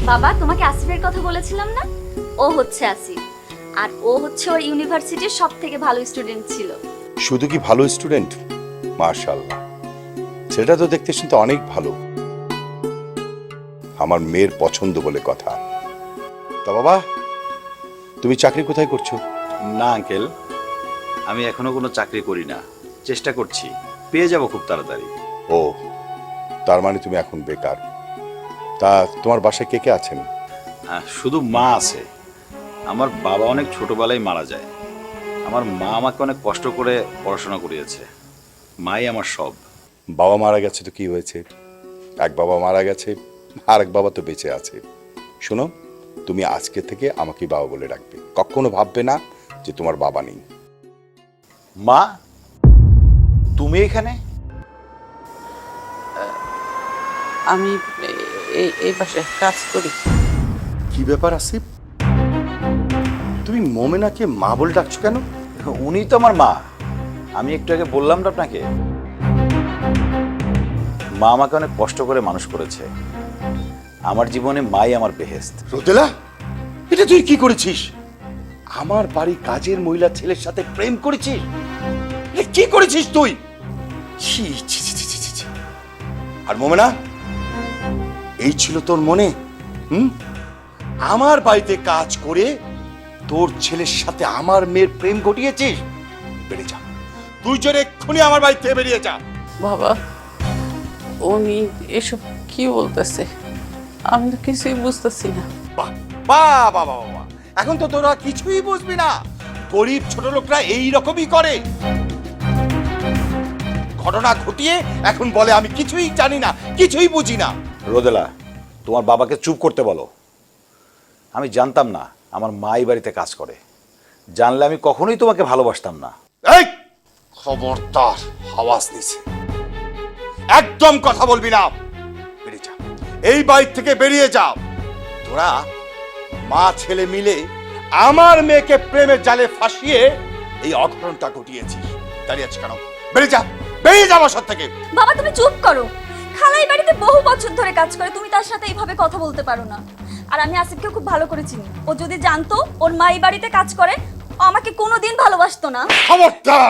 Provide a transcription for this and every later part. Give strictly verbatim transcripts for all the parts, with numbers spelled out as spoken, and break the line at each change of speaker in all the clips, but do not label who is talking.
বাবা তোমাকে আসিফের কথা বলেছিলাম না, ও হচ্ছে আসিফ। আর ও হচ্ছে ওর ইউনিভার্সিটির সব থেকে ভালো স্টুডেন্ট ছিল।
শুধু কি ভালো স্টুডেন্ট? মাশাআল্লাহ, সেটা তো দেখতে শুনতে অনেক ভালো। আমার মেয়ের পছন্দ বলে কথা। তা বাবা, তুমি চাকরি কোথায় করছো?
না আঙ্কেল, আমি এখনো কোনো চাকরি করি না, চেষ্টা করছি, পেয়ে যাব খুব তাড়াতাড়ি।
ও, তার মানে তুমি এখন বেকার। তা তোমার বাসায় কে কে আছেন?
আহ, শুধু মা আছে। আমার বাবা অনেক ছোটবেলায় মারা যায়। আমার মা আমাকে অনেক কষ্ট করে পড়াশোনা করিয়েছে। মাই আমার সব।
বাবা মারা গেছে তো কি হয়েছে? এক বাবা মারা গেছে, আর এক বাবা তো বেঁচে আছে। শোনো, তুমি আজকে থেকে আমাকে বাবা বলে ডাকবে, কখনো ভাববে না যে তোমার বাবা নেই।
মা, তুমি এখানে?
আমি এই এই পাশে কাজ করি।
কি ব্যাপার আসিফ, তুমি মোমেনাকে মা বলে ডাকছো কেন?
উনি তো আমার মা। আমি একটু আগে বললাম না আপনাকে, মা আমাকে অনেক কষ্ট করে মানুষ করেছে। আমার জীবনে মাই আমার বেহেস্ত।
রোদেলা, এটা তুই কি করেছিস? আমার বাড়ি কাজের মহিলা ছেলের সাথে প্রেম করেছিস? এটা কি করেছিস তুই? ছি ছি ছি ছি ছি ছি। আর মোমেনা, এই ছিল তোর মনে? হুম, আমার বাড়িতে কাজ করে তোর ছেলের সাথে আমার মেয়ের প্রেম ঘটিয়েছিস? বেরিয়ে যা, তুই জোরে এক্ষুনি আমার বাড়ি থেকে বেরিয়ে যা।
বাবা, উনি এসব কি বলতেছে? আমি তো কিছুই বুঝতেছি না।
বাহ বাহ বাহ বাহ বাহ। এখন তো তোরা কিছুই বুঝবি না। গরিব ছোট লোকরা এই রকমই করে। ঘটনা ঘটিয়ে এখন বলে আমি কিছুই জানি না, কিছুই বুঝি না।
রোদেলা, তোমার বাবাকে চুপ করতে বলো। আমি জানতাম না আমার মা এই বাড়িতে কাজ করে। জানলে আমি কখনোই তোমাকে ভালোবাসতাম না।
এই খবরদার, আওয়াজ নিছে, একদম কথা বলবি না। বেরিয়ে যা, এই বাড়ি থেকে বেরিয়ে যা। তোরা মা ছেলে মিলে আমার মেয়েকে প্রেমের জালে ফাঁসিয়ে এই অঘটনটা ঘটিয়েছিস। দাঁড়িয়ে আছিস কেন? বেরিয়ে যা, বেরিয়ে যা বাসা থেকে।
বাবা তুমি চুপ করো। খালাই বাড়িতে বহু বছর ধরে কাজ করে, তুমি তার সাথে এইভাবে কথা বলতে পারো না। আর আমি আসিফকে খুব ভালো করে চিনি। ও যদি জানতো ওর মা এই বাড়িতে কাজ করে, ও আমাকে কোনোদিন ভালোবাসতো না।
খবরদার,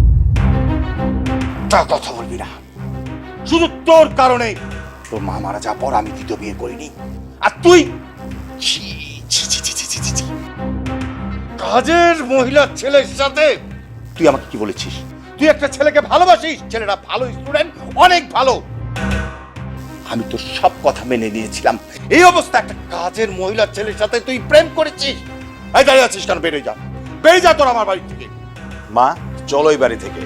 তা কথা বলবি না। শুধু তোর কারণে তোর মা মারা যাওয়ার পর আমি দ্বিতীয় বিয়ে করিনি। আর তুই ছি ছি ছি ছি ছি ছি ছি। কাজের মহিলার ছেলের সাথে তুই আমাকে কি বলেছিস? তুই একটা ছেলেকে ভালোবাসিস, ছেলেটা ভালো স্টুডেন্ট, অনেক ভালো। আমি তো সব কথা মেনে নিয়েছিলাম। এই অবস্থা, একটা কাজের মহিলার ছেলের সাথে তুই প্রেম করেছিস। এই দাঁড়িয়ে আছিস কেন? বেরিয়ে যা, বেরিয়ে যা তোর আমার বাড়ি থেকে।
মা, চলো এই বাড়ি থেকে।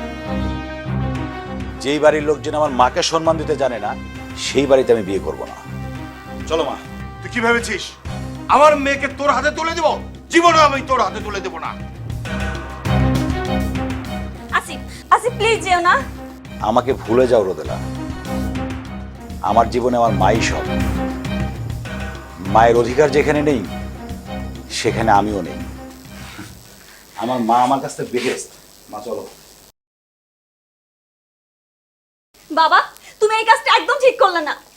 যেই বাড়ির লোকজন আমার মাকে সম্মান দিতে জানে না, সেই বাড়িতে আমি বিয়ে করব না। চলো মা।
তুই কি ভেবেছিস আমার মেয়েকে তোর হাতে তুলে দেব? জীবনে আমি তোর হাতে তুলে দেব না।
আসিফ, আসিফ প্লিজ যেও না।
আমাকে ভুলে যাও রোদেলা। আমার জীবনে আমার মাই সব। মায়ের অধিকার যেখানে নেই, সেখানে আমিও নেই। আমার মা আমার কাছ থেকে বেহেস্ত। মা চলো।
বাবা তুমি এই কাজটা একদম ঠিক করলে না।